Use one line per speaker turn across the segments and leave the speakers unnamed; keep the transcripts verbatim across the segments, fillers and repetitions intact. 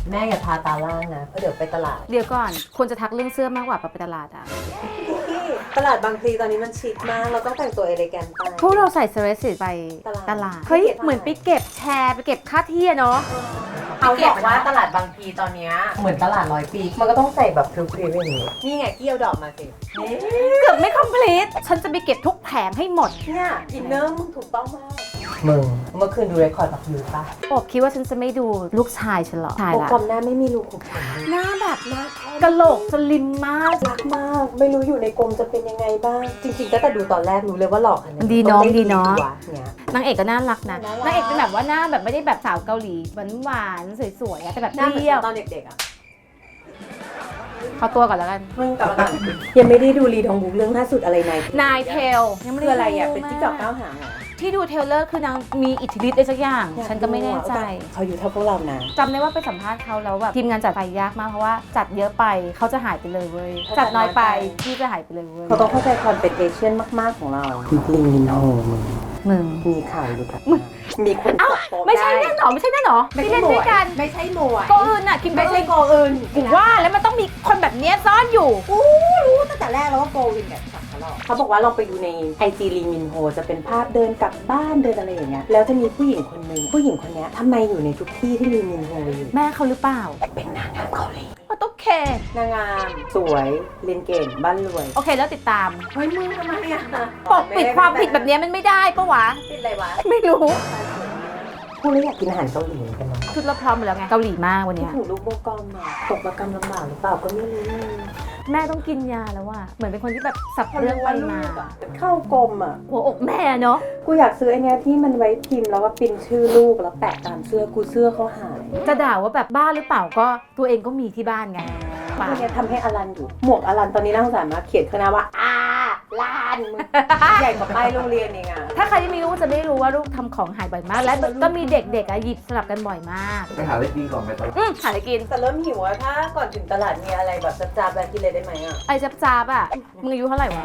แม่อย่าทาตาล่างนะเพราะเดี๋ยวไปตลาด
เดี๋ยวก่อนคนจะทักเรื่องเสื้อมากกว่าไปตลาดอ่ะ
ที่ตลาดบางพลีตอนนี้มันชิคมากเราต้องแต่งตัวเอเลแกนต์ไป
พวกเราใส่เซเลสิตไปตลาดเฮ้ยเหมือนไปเก็บแชร์ไปเก็บค่าที่เนาะ
เขาบอกว่าตลาดบางพลีตอนนี้เหมือนตลาดร้อยปีมันก็ต้องใส่แบบพริ้วๆอย่างนี้นี่ไงเกี่ยวดอกมาสิ
เกือบไม่คอมพลีทฉันจะไปเก็บทุกแผงให้หมด
เนี่ยอินเนอร์มึงถูกต้องมากมึงเมื่อคืนดูเรคคอร์ดกับยูป่ะ
โอบคิดว่าฉันจะไม่ดูลูกชายฉันหรอชายละ
กลมหน้าไม่มีรูขุมขน
หน้าแบบหน้ากะโหลกสลิมมาก
รักมากไม่รู้อยู่ในกรมจะเป็นยังไงบ้างจริงๆตั้งแต่ดูตอนแรกรู้เลยว่าหลอกอันนี้
ดีเนาะดีเนาะ
น
างเอกก็น่ารักนะนางเอกเป็นแบบว่าหน้าแบบไม่ได้แบบสาวเกาหลีหวานๆสวยๆแต่แบบเปรี้ยว
ตอนเด็กๆอ่ะ
เขาตัวก่อนแล้วกัน
มึงกลับมายังไม่ได้ดูรีทองบุ๊กเรื่องล่าสุดอะไรนาย
นายเทลยังไม่
ได้คืออะไรอ่ะเป็นที่จอกก้าวหางเหรอ
ที่ดูเทเลอร์คือนางมีอิทธิฤทธิ์อะไรสักอย่างฉันก็ไม่แน่ใจ
เขาอยู่เท่าพวกเรานะ
จำได้ว่าไปสัมภาษณ์เขาแล้วแบบทีมงานจัดไปยากมากเพราะว่าจัดเยอะไปเขาจะหายไปเลยเว้ยจัดน้อยไปที่จะหายไปเลยเว้ย
เขาต้องเข้าใจความเป็นเอเชียนมากๆของเราลิงมินโฮมึง
มึง
มีข่าวอยู่แบบมีคน
เอ้าไม่ใช่นั่นหรอไม่ใช่นั่นหรอที่เล่นด้วยกัน
ไม่ใช่โมย
โกอื่นน่ะคิม
ไม่ใช่โกอื่น
กูว่าแล้วมันต้องมีคนแบบนี้ซ่อนอยู่
อู้รู้ตั้งแต่แรกแล้วว่าโกวินแบบสักเขาหรอกเขาบอกว่าลองไปดูในไอจีลีมินโฮจะเป็นภาพเดินกลับบ้านเดินอะไรอย่างเงี้ยแล้วจะมีผู้หญิงคนหนึ่งผู้หญิงคนนี้ทำไมอยู่ในทุกที่ที่ลีมินโฮอยู่
แม่เขาหรือเปล่า
เป็นนางงามเกาหลี
โอเคน
างงามสวยเรียนเก่งบ้านรวย
โอเคแล้วติดตาม
เฮ้ยมึงทำไมอ่ะ
ปกปิดความผิดแบบนี้มันไม่ได้ปะวะ
ปิดอะไรวะ
ไม่รู้
พวกเราอยากกินอาหารเกาหลีกันเนาะ
ชุดเราพร้อมหมดแล้วไงเกาหลีมากวันนี้
ถึงลูกโบกอมอ่ะตกประกรรมลำบากหรือเปล่าก็ไม่รู้
แม่ต้องกินยาแล้วว่ะเหมือนเป็นคนที่แบบสับเรื่องไปมา
เข้ากลมอ่ะ
หัวอกแม่เนาะ
กูอยากซื้อไอ้เนี้ยที่มันไว้พิมพ์แล้วก็พิมพ์ชื่อลูกแล้วแปะตามเสื้อกูเสื้อเขาหาย
จะด่าว่าแบบบ้าหรือเปล่าก็ตัวเองก็มีที่บ้านไง
ป่าเนี่ยทำให้อลันอยู่หมวกอลันตอนนี้น่าสงสารมากเขียนข้างหน้าว่าอาลานใหญ่กว่าป้ายโรงเรียนเองอ่ะ
ถ้าใครที่มีลูกจะไม่รู้ว่าลูกทำของหายบ่อยมากและก็มีเด็กๆอ่ะหยิบสลับกันบ่อยมาก
ไปหาอะไรกินก่อนไปตลาด
อืมหาอะไรกิน
แต่เริ่มหิวอะถ้าก่อนถึงตลาดมีอะไรแบบจับๆแบบกินเลยได้ไหมอ่ะ
ไอ้จับจับอ่ะมึงอายุเท่าไหร่วะ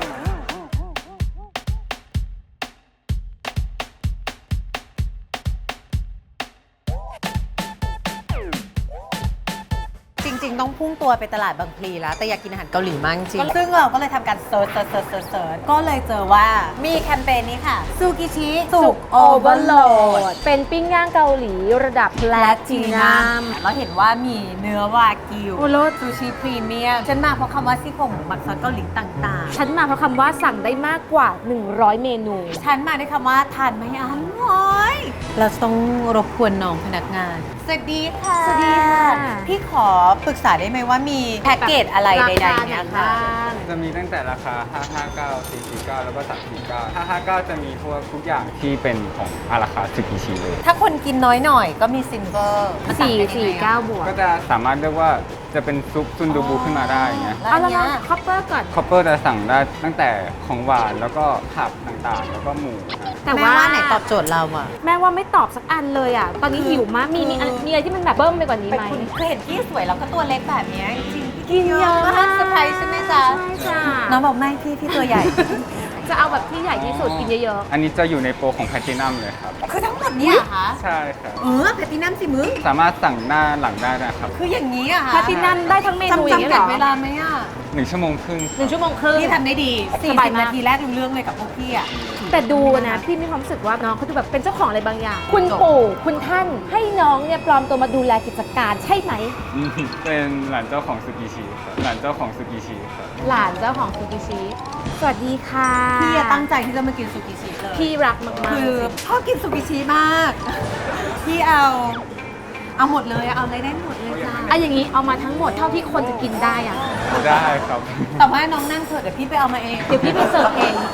จริงๆต้องพุ่งตัวไปตลาดบางพลีแล้วแต่อยากกินอาหารเกาหลีมากจริงซึ่งเราก็เลยทำการเซิร์ชเซิร์ชเซิร์ชเซิร์ชก็เลยเจอว่ามีแคมเปญนี้ค่ะซูกิชิ
สุกโอเวอร์โหลดเป็นปิ้งย่างเกาหลีระดับแพลตินัม
เราเห็นว่ามีเนื้อวากิวซูชิพรีเมียมฉันมาเพราะคำว่าซี่โครงหมูหมักซอสเกาหลีต่าง
ๆฉันมาเพราะคำว่าสั่งได้มากกว่าหนึ่งร้อยเมนู
ฉันมาด้วยคำว่าทานไม่อร่อยเราต้องรบกวนน้องพนักงานสวัสดีค่ะ
สวัสดีค่ะ
พี่ขอปรึกษาได้ไหมว่ามีแพ็กเกจอะไรใดๆเนี่ยค่ะ
จะมีตั้งแต่ราคาห้าห้าเก้า สี่สี่เก้าแล้วก็สามสี่เก้า ห้าห้าเก้าจะมีพวกทุกอย่างที่เป็นของอาราคาสึกิชิเลย
ถ้าคนกินน้อยหน่อยก็มีซิลเวอร์
สี่สี่เก้าบวก
ก็จะสามารถเรียกว่าจะเป็นซุปซุนดูบูขึ้นมาได้เงี้ย
เอาละนะคอปเปอร์ก่อน
คอปเปอร์จะสั่งได้ตั้งแต่ของหวานแล้วก็ผักต่างๆแล้วก็หมู
แต่ว่าไหนตอบโจทย์เราอะ
แม่ว่าไม่ตอบสักอันเลยอะตอนนี้หิวมากมีมีมีอะไรที่มันแบบเบิ้มไปกว่านี้ไหม
คือเห็นพี่สวยแล้วก็ตัวเล็กแบบนี้จริง
ๆกินเยอะมาก
เซอร์ไพรส์ใช่ไหมจ๊ะ
ใช่จ้ะ
น้องบอกไม่พี่พี่ตัวใหญ่
จะเอาแบบที่ใหญ่ที่สุดกินเยอะ
ๆอันนี้จะอยู่ในโปรของแพลตินัมเลยครับ
คือทั้งหมดนี้เหรอคะ
ใช่ครับ
เออแพลตินัมสิมึง
สามารถสั่งหน้าหลังได้นะครับ
คืออย่างนี้อะค่ะ
แพลตินัมได้ทั้งเมนูอย่างนี้เหรอ
จำกัดเวลาไหมอะ
หนึ่งชั่วโมงครึ่ง
หนึ่งชั่วโมงครึ่ง
พี่ทำได้ดีสี่สิบนาทีแรกรู้เรื่องเลยกับพวกพี่อะ
แต่ดูนะพี่มีความรู้สึกว่าน้องเขาดูแบบเป็นเจ้าของอะไรบางอย่างคุณปู่คุณท่านให้น้องเนี่ยปลอมตัวมาดูแลกิจการใช่ไหม
เป็นหลานเจ้าของซูกิชิครับหลานเจ้าของซูกิชิครับ
หลานเจ้าของซูกิชิสวัสดีค่ะ
พี่ตั้งใจที่จะมากินซูกิชิเลย
พี่รักมากๆ
คือชอบกินซูกิชิมากพี่เอาเอาหมดเลยเอาอะไรได้หมดเลยจ้า
อะอย่างนี้เอามาทั้งหมดเท่าที่คนจะกินได้อะ
ได้ครับ
แต่ว่าน้องนั่งเถอะเดี๋ยวพี่ไปเอามาเอง
เดี๋ยวพี่ไปเสิร์ฟเอง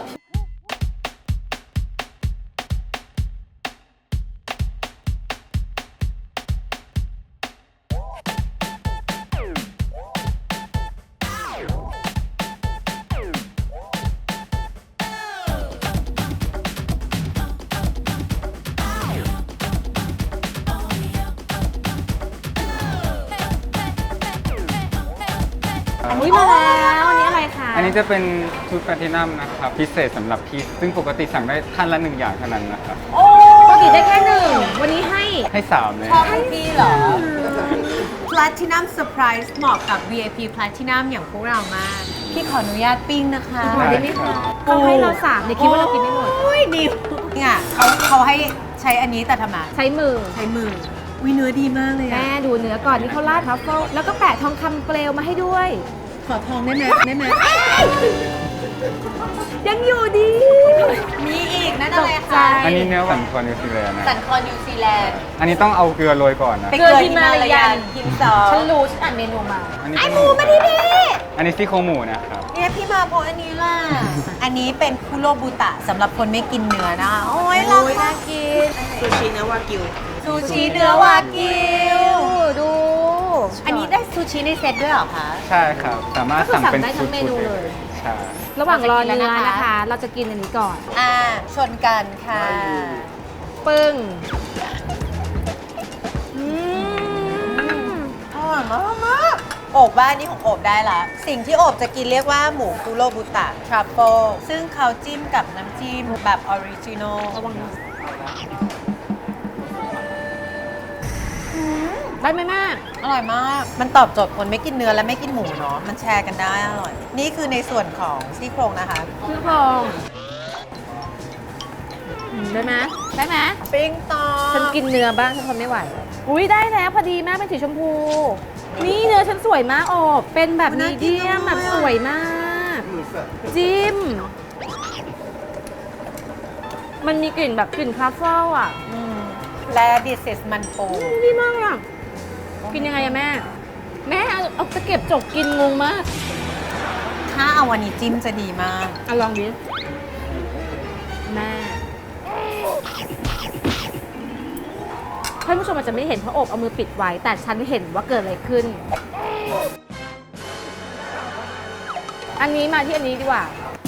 อันนี้มาแล้วอันนี้อะไรคะ
อันนี้จะเป็นชุดแพลตินัมนะครับพิเศษสำหรับพี่ซึ่งปกติสั่งได้ท่านละหนึ่งอย่างเท่านั้นนะครับ
โอ้กินได้แค่หนึ่งวันนี้ให้
ให้สามเลย
ชอบพี่เหรอ Platinum Surprise เหมาะกับ วี ไอ พี Platinum อย่างพวกเรามาก พี่ขออนุญาตปิ้งนะคะ
ได้ไหมคะเขาให้เราสามเนี่ยคิดว่าเรากินไม่หมด
โอ้ยดิวเนี่ยเขาเขาให้ใช้อันนี้แต่ทำไม
ใช้มือ
ใช้มือวิเนื้อดีมากเลย
แม่
อะ
ดูเนื้อก่อนนี่เขาราดทัฟเฟิลแล้วก็แปะทองคำเปลวมาให้ด้วย
ขอทองได้ไหมได้ไหม
ยังอยู่ดี
มีอีกนั่นอะไร
ตกใจ
คะ
อันนี้เนื้อสันคอนิวซีแลนด์นะ
สันคอนิวซีแลนด์
อันนี้ต้องเอาเกลือโรยก่อนนะ
เป็นเกลือฮิมาลายันหินซอ
ฉันรู้ฉันอ่านเมนูมา
อันนี้
ไอ
เป็น
หมูมาดิดิ
อันนี้ซี่โครงหมูนะครับ
เนี่ยพี่มาเพราะอันนี้ล่ะ อันนี้เป็นคุโรบุตะสำหรับคนไม่กินเนื้อนะคะโอ้ยราคากิน
ซูชิเนื้อวากิว
ซูชิเนื้อวากิว
ดู
อันนี้ได้ซูชิในเซตด้วยเหรอคะ
ใช่ครับ สามารถ
ก็คือ
สั่งเป็น
สั่งได้ทั้งเมนูเลย
ใช่
ระหว่างรอเนื้อ
เราจะกินแล้วนะคะ
นะคะ เราจะกินอันนี้ก่อน
อ่า ชนกันค่ะ
ปึ้งอืม
อร่อยมากมากโอบบ้านนี้ของโอบได้ละ สิ่งที่โอบจะกินเรียกว่าหมูคุโรบุตะทรัฟเฟิลซึ่งเขาจิ้มกับน้ำจิ้มแบบออริจินอล
ระวังนะได้ไหมแม่
อร่อยมาก มันตอบโจทย์คนไม่กินเนื้อและไม่กินหมูเนาะ มันแชร์กันได้อร่อย นี่คือในส่วนของซี่โครงนะคะ
ชื่อพองอืมได้ไหมได้ไหม
ปิ้งต่อ
ฉันกินเนื้อบ้างฉันทนไม่ไหว อุ้ยได้แล้วพอดีแม่เป็นสีชมพู นี่เนื้อฉันสวยมากโอบเป็นแบบมีเดียมแบบสวยมาก จิ้ม มันมีกลิ่นแบบกลิ่นคาเฟ่อ่ะ
อืมและดิเซสมันปู
ดีมากอ่ะ กินยังไงอะแม่ แม่เอาเอาตะเก็บจกกินงงมาก
ถ้าเอาวันนี้จิ้มจะดีมาก
อะลองดิแม่ท่านผู้ชมอาจจะไม่เห็นเพราะโอบเอามือปิดไว้ แต่ฉันเห็นว่าเกิดอะไรขึ้น อันนี้มาที่อันนี้ดีกว่า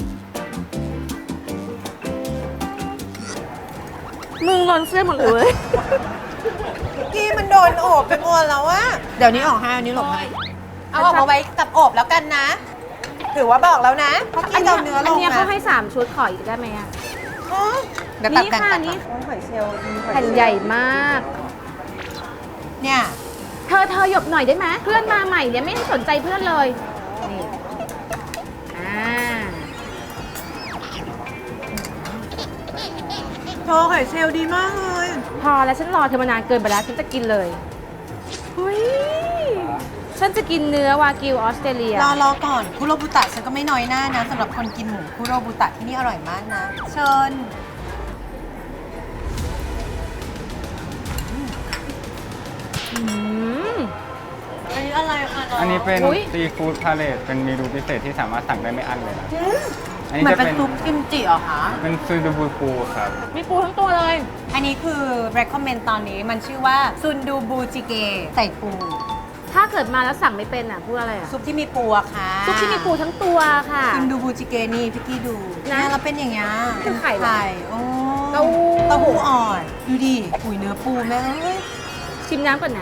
มึงร้อนเสื้อหมดเลย
พี่มันโดนโอบไปหมดแล้วอะเดี๋ยวนี้ออกให้อันนี้หลบให้ เอาออกมาไว้กับโอบแล้วกันนะ ถือว่าบอกแล้วนะ เพราะกี้เราเนื้อล
อัน
ง
เนี้ย
นะ
เขาให้สามชุดขออีกได้ไหมอะ
อ๋อเดี๋ยวตัด
นี่
กัน
ค่ะ
ตัด
นี่
กัน
หอยเชลล์มีหอยเชลล์
แผ่นใหญ่มาก
เนี่ย
เธอเธอหยบหน่อยได้ไหมเพื่อนมาใหม่เนี่ยไม่ได้สนใจเพื่อนเลย นี่ อ่า
โชว์ไข่เชลดีมากเลย
พอแล้วฉันรอเธอมานานเกินไปแล้ว ฉันจะกินเลยเฮ้ยฉันจะกินเนื้อวากิวออสเตรเลีย
รอรอก่อนคุโรบุตะฉันก็ไม่น้อยหน้านะสำหรับคนกินหมูคุโรบุตะที่นี่อร่อยมากนะ เชิญ
อืม
อันนี้อะไรคะน้อง
อันนี้เป็น
อุ๊ย
ซีฟู้ดพาเลตเป็นเมนูพิเศษที่สามารถสั่งได้ไม่อั้นเลยนะ อันนี้
เหมือน
จะ
เป็น
เป็น
ซุปกิมจิเหรอคะ
เป็นซูดูบูปูครับ
มีปูทั้งตัวเลย
อันนี้คือ recommend ตอนนี้มันชื่อว่าซุนดูบูจิเกใส่ปู
ถ้าเกิดมาแล้วสั่งไม่เป็นอ่ะพูดอะไรอ่ะ
ซุปที่มีปูอะค่ะ
ซุปที่มีปูทั้งตัวค่ะ
ซุนดูบูจิเกนี่พี่กี้ดู
นะ
เนี่ยเราเป็นอย่างเงี้ย
เป็นไข่เหรอ
ไข่โอ้
เต้าหู้
เต้าหู้อ่อน ดูดิอุยเนื้อปูแม่เอ้ย
ชิมน้ำก่อนนะ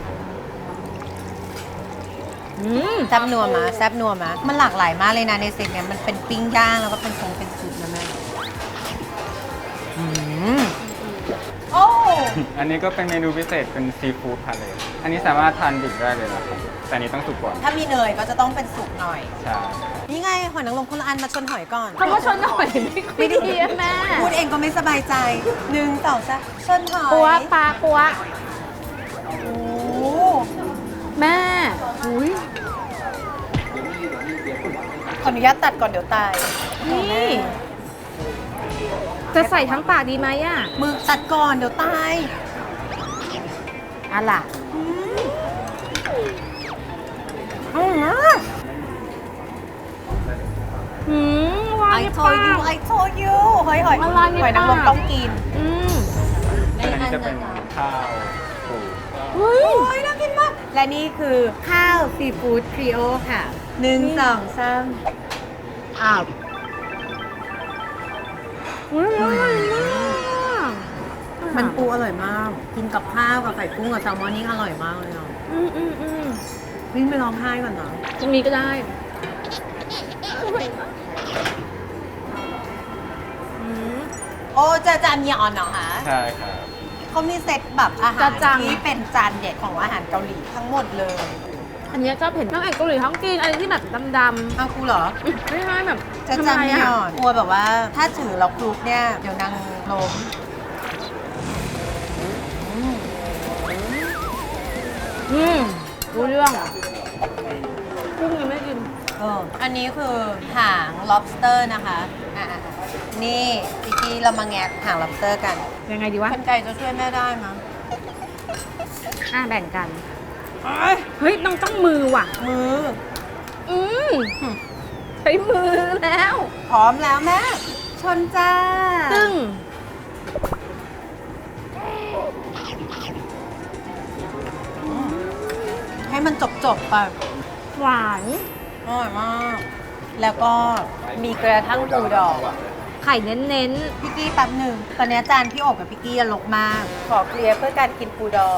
อืม
แซ่บนัวมาแซ่บนัวมามันหลากหลายมากเลยนะในเซตเนี้ยมันเป็นปิ้งย่างแล้วก็เป็นทรงเป็นซุปนะแม่อืมโอ้
อันนี้ก็เป็นเมนูพิเศษเป็นซีฟู้ดพาเลตอันนี้สามารถทานดิบได้เลยนะครับ แต่อันนี้ต้องสุกก่อน
ถ้ามีเนยก็จะต้องเป็นสุกหน่อย
ใช่
นี่ไงหอยนางรมคนละอันมาชนหอยก่อน
คำว่าชนหน่อยไม่ค่อยดีอะแม่
พูดเองก็ไม่สบายใจหนึ่งสองสามชนหอย
ปัวปลาปัว
โอ้
แม่อุ้ย
ขออนุญาตตัดก่อนเดี๋ยวตาย
นี่ จะใส่ทั้งปากดีไหมอ่ะ
มือตัดก่อนเดี๋ยวตาย
อะล่ะ
อร่อยมาก
หืมวาง
I
ใน
told
ปา
you
ก
I told you หอยหอย
ละลายใน
หอยนางรม
ปาก
ต้องกิน
อืม
อันนี้จะเป็นข้าวปู
เฮ้ย
โอ้ยน่ากินมาก และนี่คือข้าวซีฟู้ดทริโอค่ะหนึ่งสองสามอ้าว
อุ้ยอร่อยมาก
มันปูอร่อยมาก กินกับข้าวกับไข่กุ้งกับแซลมอนนี่อร่อยมากเลยเนาะ
อืมอืมอืม
วิ่งไปร้องไห้ก่อนเนาะ
ตรงนี้ก็ได้อืม
โอ้จะจานยอนเหรอคะ
ใช่ครับ
เขามีเซตแบบอาหาร
จะจัง
ที่เป็นจานเด็ดของอาหารเกาหลีทั้งหมดเลย
อันเนี้ยชอบเห็นทั้งไอ้เกาหลีทั้งจีนอะไรที่แบบดำ
เอากูเหรอ
ๆไม่ใช่แบบ
จะจานยอนกลัวแบบว่าถ้าถือเราคลุกเนี่ยเดี๋ยวนางล้ม
อืมรู้เรื่องกุ้งยังไม่กิน
เอออันนี้คือหาง lobster นะคะอ่ะๆนี่พี่กี้เรามาแงะหาง lobster กัน
ยังไงดีวะ
คนไก่จะช่วยแม่ได้มั้ย
อ่ะแบ่งกัน เฮ้ยต้องต้องมือว่ะ
มือ
อืมใช้มือแล้ว
พร้อมแล้วแม่ชนจ้า
ซึ่ง
ให้มันจบๆไป
หวาน
อร่อยมาก แล้วก็มีกระทั่งปูดอง
ไข่เน้น
พี่กี้แป๊บหนึ่งตอนนี้จานพี่โอบกับพี่กี้ลกมาก ขอเคลียร์เพื่อการกินปูดอง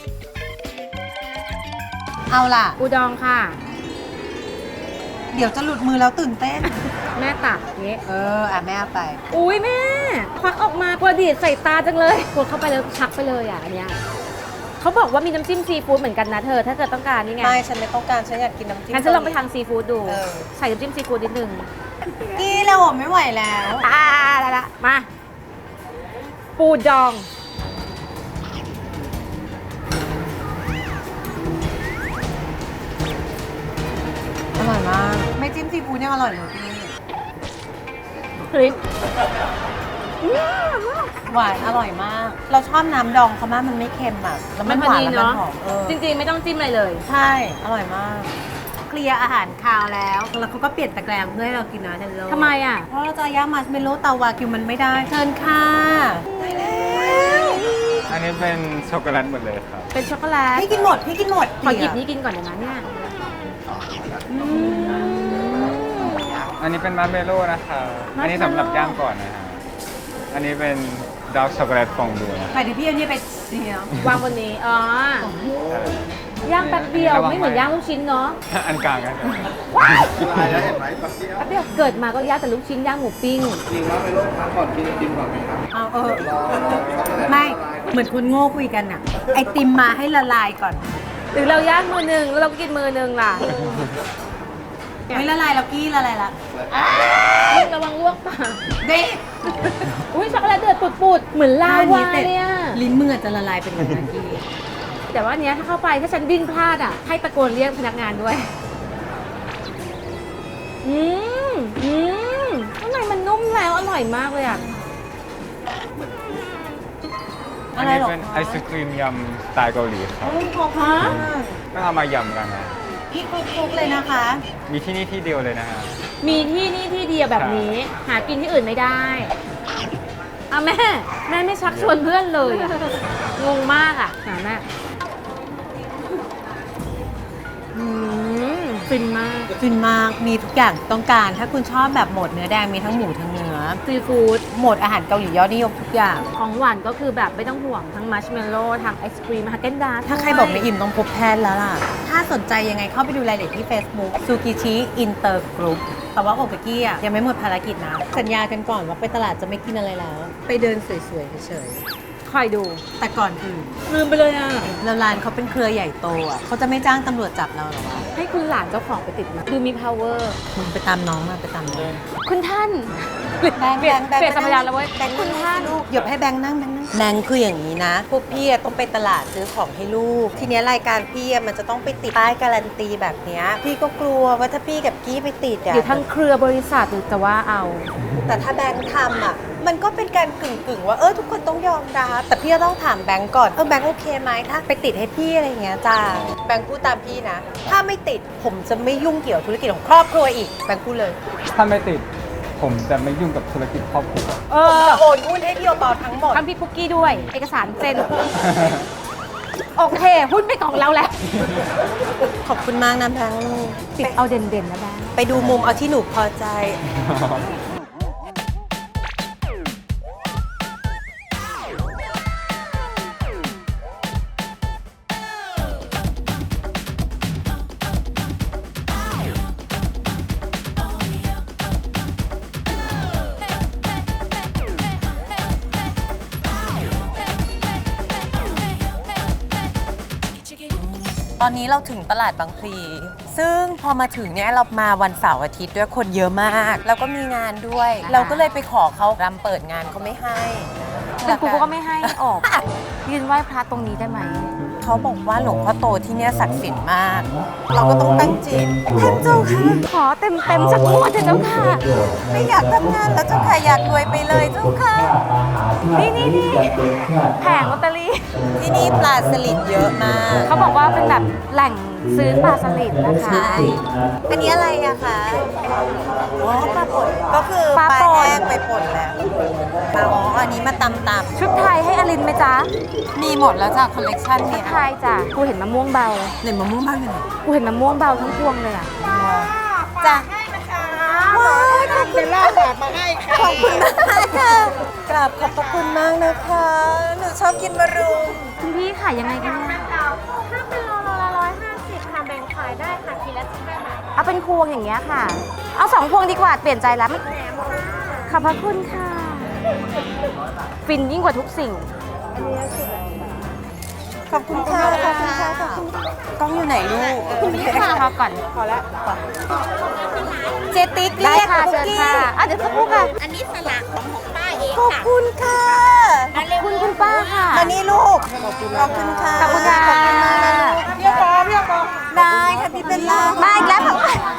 เอาล่ะ
ๆอูดองค่ะ
เดี๋ยวจะหลุดมือแล้วตื่นเต้น
แม่ตักเงี้ย
เออ อ่ะแม่เอาไป
อุ้ยแม่ควักออกมากลัวดีดใส่ตาจังเลยกดเข้าไปแล้วชักไปเลยอ่ะอันเนี้ยเขาบอกว่ามีน้ำจิ้มซีฟู้ดเหมือนกันนะเธอ ถ้าเกิดต้องการนี่ไง
ไม่ ฉันไม่ต้องการ ฉันอยากกินน้ำจิ้ม
งั้นฉันลองไปทางซีฟู้ดดู
เออ
ใส่น้ำจิ้มซีฟู้ดนิดนึง
กี้แล้วผมไม่ไหวแล้ว
ตาละละมา ปูดอง
อร่อยมาก ไม่จิ้มซีฟู้ดยังอร่อยเลยพี่
คลิป
หวานอร่อยมาก เราชอบน้ำดองเขามากมันไม่เค็มอ่ะ แล้วมันหวานแล้วมันหอมเออ
จริงๆ ไม่ต้องจิ้มอะไรเลย
ใช่ อร่อยมาก เคลียร์อาหารคาวแล้ว แล้วเขาก็เปลี่ยนตะแกรงเพื่อให้เรากินนะเทนโล
ทำไมอ่ะ
เพราะเราจะย่างมัสเมโลเตาวากิวมันไม่ได้ เชิญค่ะได้แล้ว
อันนี้เป็นช็อกโกแลตหมดเลยครับ
เป็นช็อกโกแลต
พี่กินหมด พี่กินหมด
ขอหยิบนี้กินก่อนเดี๋ยวนะเนี่ยอืม
อันนี้เป็นมาร์เมโล่นะคะอันนี้สำหรับย่างก่อนนะฮะอันนี้เป็นดาร์กช็อกโกแลตฟองดูนะ
ไปดิพี่เอานี่ไปเดียว
วางบนนี้ อ๋อ ย่างแป๊บเดียวไม่เหมือนย่างลูกชิ้นเนาะ
อันกลางกัน
ว้าวแป๊บเดียวเกิดมาก็ย่างแต่ลูกชิ้นย่างหมูปิ้ง
เอาเออ ไม่ เหมือนคุณโง่คุยกันอะไอติมมาให้ละลายก่อน
หรือเราย่างมือหนึ่งแล้วเราก็กินมือหนึ่งล่ะ
ไม่ละลายแล้วกี้ละลายละ
ระวังลวกปาก
เด็
อุ้ยช็อกโกแลตเดือดปุดๆ เหมือนลาวาเนี่ย
ลิ้นมือจะละลายเป็นอย่างนั้นกี้
แต่ว่าอันเนี้ยถ้าเข้าไปถ้าฉันดิ้นพลาดอ่ะ ให้ตะโกนเรียกพนักงานด้วย อืมอืมข้างในมันนุ่มแล้วอร่อยมากเลยอ่ะ
อันนี้เป็นไอศครีมยำสไตล์เกาหลีครับ
โอ้ยขอบคุณมาก
ก็เอามายำกันนะ
พี่คลุกๆเลยนะคะ
มีที่นี่ที่เดียวเลยนะฮะ
มีที่นี่ที่เดียวแบบนี้ หากินที่อื่นไม่ได้อ่ะแม่ แม่ไม่ชักชวนเพื่อนเลยอะงงมากอ่ะหาแม่อืมฟินมาก
ฟินมาก มีทุกอย่างต้องการ ถ้าคุณชอบแบบโหมดเนื้อแดง มีทั้งหมูทั้งเนื้อ
ซีฟู้ด
โหมดอาหารเกาหลียอดนิยมทุกอย่าง
ของหวานก็คือแบบไม่ต้องห่วงทั้งมัชเมลโล่ทั้งไอศครีมฮาเกนดาร์
ถ้าใครบอกไม่อิ่มต้องพบแพทย์แล้วล่ะ ถ้าสนใจยังไงเข้าไปดูรายละเอียดที่ Facebook ซูกิชิอินเตอร์กรุ๊ปแต่ว่าโอบกับกี้อ่ะยังไม่หมดภารกิจนะ สัญญากันก่อนว่าไปตลาดจะไม่กินอะไรแล้ว ไปเดินสวยๆเฉย
คอยดู
ๆ แต่ก่อนอื่น
ลืมไปเลยอ่ะ
แล้วร้านเขาเป็นเครือใหญ่โตอ่ะเขาจะไม่จ้างตำรวจจับเราหรอวะ
ให้คุณหลานเจ้าของไปติดมาดูมี power
มึงไปตามน้องมาไปตามน้อง
คุณท่าน
แบงค์
เปลี่ยน
แบงค์
เปลี่ยนสัมปทานแล้วเว้ย
แบงค์
คุณท่าน
ลูกหยบให้แบงค์นั่งแบงค์นั่งแบงค์คืออย่างนี้นะ พวกพี่อะต้องไปตลาดซื้อของให้ลูก ทีเนี้ยรายการพี่อะมันจะต้องไปติดป้ายการันตีแบบเนี้ยพี่ก็กลัวว่าถ้าพี่กับกี้ไปติดอะ
เดี๋ยวทั้งเครือบริษัทหรือจะว่าเอา
แต่ถ้าแบงค์ทำอ่ะ มันก็เป็นการกึ่งกึ่งๆว่าเออทุกคนต้องยอมรับแต่พี่ก็ต้องถามแบงค์ก่อนเออแบงค์โอเคไหมถ้าไปติดให้พี่อะไรอย่างเงี้ยจ้าแบงค์พูดตามพี่นะ ถ้าไม่ติดผมจะไม่ยุ่งเกี่ยวธุรกิจของครอบครัวอีกแบงค์พูดเลย
ถ้าไม่ติด ผมจะไม่ยุ่งกับธุรกิจครอบครัว
เอ
ผม
อ
จะโอนหุ้นให้พี่โอปอทั้งหมด
ทั้งพี่ปุ๊กกี้ด้วย เอกสารเซ็น โอเค หุ้นเป็นของเราแล้ว
ขอบคุณมากนะแบงค์
ติดเอาเด่นๆนะแบงค์
ไปดูมุมเอาที่หนูพอใจตอนนี้เราถึงตลาดบางพลีซึ่งพอมาถึงเนี่ยเรามาวันเสาร์อาทิตย์ด้วยคนเยอะมาก แล้วก็มีงานด้วย เราก็เลยไปขอเขารำเปิดงานเขาไม่ให้
เป็นกูก็ไม่ให้ออก ยืนไหว้พระตรงนี้ได้ไหม
เขาบอกว่าหลวงพ่อโตที่เนี่ยศักดิ์สิทธิ์มาก เราก็ต้องตั้งจิตท่านเจ้าค่ะ
ขอเต็มเต็มๆสักงวดเถอะเจ้าค่ะ
ไม่อยากทำงานแล้วเจ้าค่ะอยากรวยไปเลยเจ้าค่ะ
นี่นี่นี่แผงลอตเตอรี่
ที่นี่ปลาสลิดเยอะมาก
เขาบอกว่าเป็นแบบแหล่งซื้อปลาสลิดนะคะ
ใช่อันนี้อะไรอะคะอ๋อปลาป่นก็คือ
ปลา
ปลา
ป่น
แห้งไปป่นแล้วมาอ๋ออันนี้มาตำต
ชุดไทยให้อลินไหมจ๊ะ
ำมีหมดแล้วจ้ะคอลเลกชัน
ชุ
เนี่
ด
ย
ไทยจ้ะ กูเห็นมะม่วงเบา
เหนมะม่วงบ้างเลย
กูเห็นมะม่วงเบาทั้งพวงเลยอ่ะ
จ้ะว้าวขอบคุณมากแบบมาให้ค่ะขอบคุณมากค่ะกราบขอบพระคุณมากนะคะ หนูชอบกินมะรุม
คุณพี่ขายยังไงกันเนี่ย
ถ้าเป็นโลละร้อยห้าสิบค่ะแบ่งขายได้ค่ะทีละสิบห้าบาท
เอาเป็นพวงอย่างเงี้ยค่ะ เอาสองพวงดีกว่า เปลี่ยนใจแล้วไม่ขอบพระคุณค่ะ ฟินยิ่งกว่าทุกสิ่ง
ขอบคุณค่ะ ขอบคุณค่ะขอบคุณกล้องอยู่ไหนลูก
คุณพี่ค่ะพอก่อน
เจติ๊ก
ได้
เรียก
ค่ะ
คุก
เชิญ
กี้
ค่ะอ่ะเดี๋ยวสักครู่ค่ะ
อันนี้สลากของของป้าเอง
ขอบ
ค่ะ
คุณค่ะ
ขอบคุณคุณป้าค่ะ
มานี่ลูก ขอบคุณค่ะ
ขอบคุณค่ะ
ขอบคุณมากนะลูกเพี่ยปอเพี่ยปอได้ค่ะพี่เป็นล่า
มาอีกแล้วค่ะ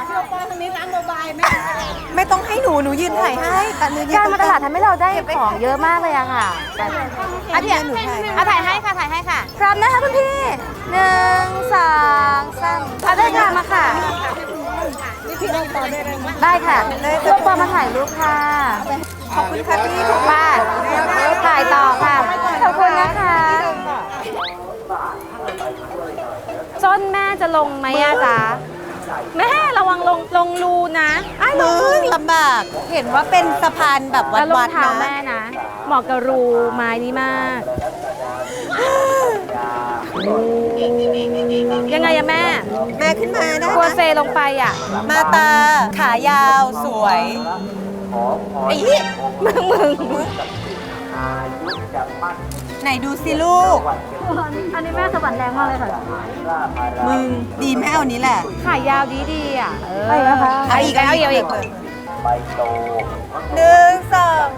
ไม่ต้องให้หนู หนูยืนถ่ายให้แต่หนูยืน
การ
ตรง
มาตลาดทำให้เราได้ของเยอะมากเลยอะค่ะแต่
อันนี้หนูถ่าย
เอาถ่ายให้ค่ะถ่ายให้ค่ะ พร้อมนะคะคุณพี่หนึ่งสองสามเอาได้ค่ะมาค่ะ ได้ค่ะลูกปอมาถ่ายรูปค่ะ
ขอบคุณค่ะพี่
ถูกป้าถ่ายต่อค่ะ ขอบคุณนะคะจนแม่จะลงไหมอะจ๊ะ แม่ระวังลงลงรูนะอ้ายล
มึ
งรู
งลำบาก เห็นว่าเป็นสะพานแบบวั
แล้วรอง
ด
เท้า
ๆ
แม่
นะ
นะ เหมาะกับรูไม้นี้มาก ยังไงอะแม่
แม่ขึ้นมาได้
กลัว
นะ
เซลงไปอะ
มาตา ขายาวสวยไอ้เหี้ย
มึงมึง
ไหนดูสิลูก
อันนี้แม่สะบัดแรงมากเลยค่ะ
มึง ดีแม่เอานี้แหละ
ขายาวดีดีๆอะเออ
เอาอีก
เอาอีกเอาอีก
หนึ่งสอง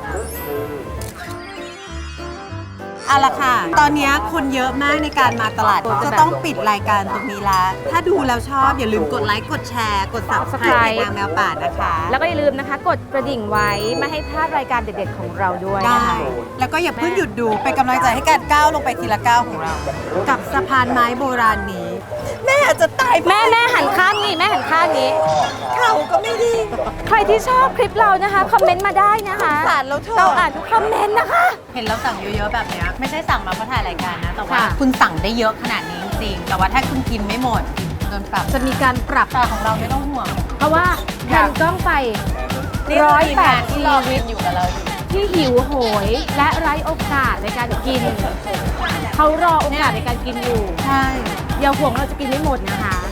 เอาละค่ะ ตอนนี้คนเยอะมากในการมาตลาด จะต้องปิดรายการตรงนี้ละ ถ้าดูแล้วชอบอย่าลืมกดไลค์ กดแชร์ กด subscribe ในนางแมวป่านะคะ
แล้วก็อย่าลืมนะคะ กดกระดิ่งไว้ไม่ให้พลาดรายการเด็ดๆของเราด้วย
ได้
นะคะ
แล้วก็อย่าเพิ่งหยุดดูเป็นกำลังใจให้การก้าวลงไปทีละก้าวของเรา กับสะพานไม้โบราณนี้ แม่อาจจะตาย
แม่แม่หันข้างนี้แม่หันข้างนี้
เข่าก็ไม่ดี
ใครที่ชอบคลิปเรานะคะ คอมเมนต์มาได้นะคะ
สารเราเถอะ
เราอ่านทุกคอมเมนต์นะคะ
เห็นเราสั่งเยอะๆแบบเนี้ยไม่ใช่สั่งมาเพราะถ่ายรายการนะ แต่ว่า
ค่ะ
คุณสั่งได้เยอะขนาดนี้จริงๆแต่ว่าถ้าคุณกินไม่หมดโดนปรับ
จะมีการปรับ
แต่ของเราไม่ต้องห่วง
เพราะว่าแผ่นกล้องไปร้อยแปดชีวิต
อยู่กับเราอยู่
ที่หิวโหยและไร้โอกาสในการกิน เขารอโอกาสในการกินอยู่
ใช่
อย่าห่วงเราจะกินไม่หมดนะคะ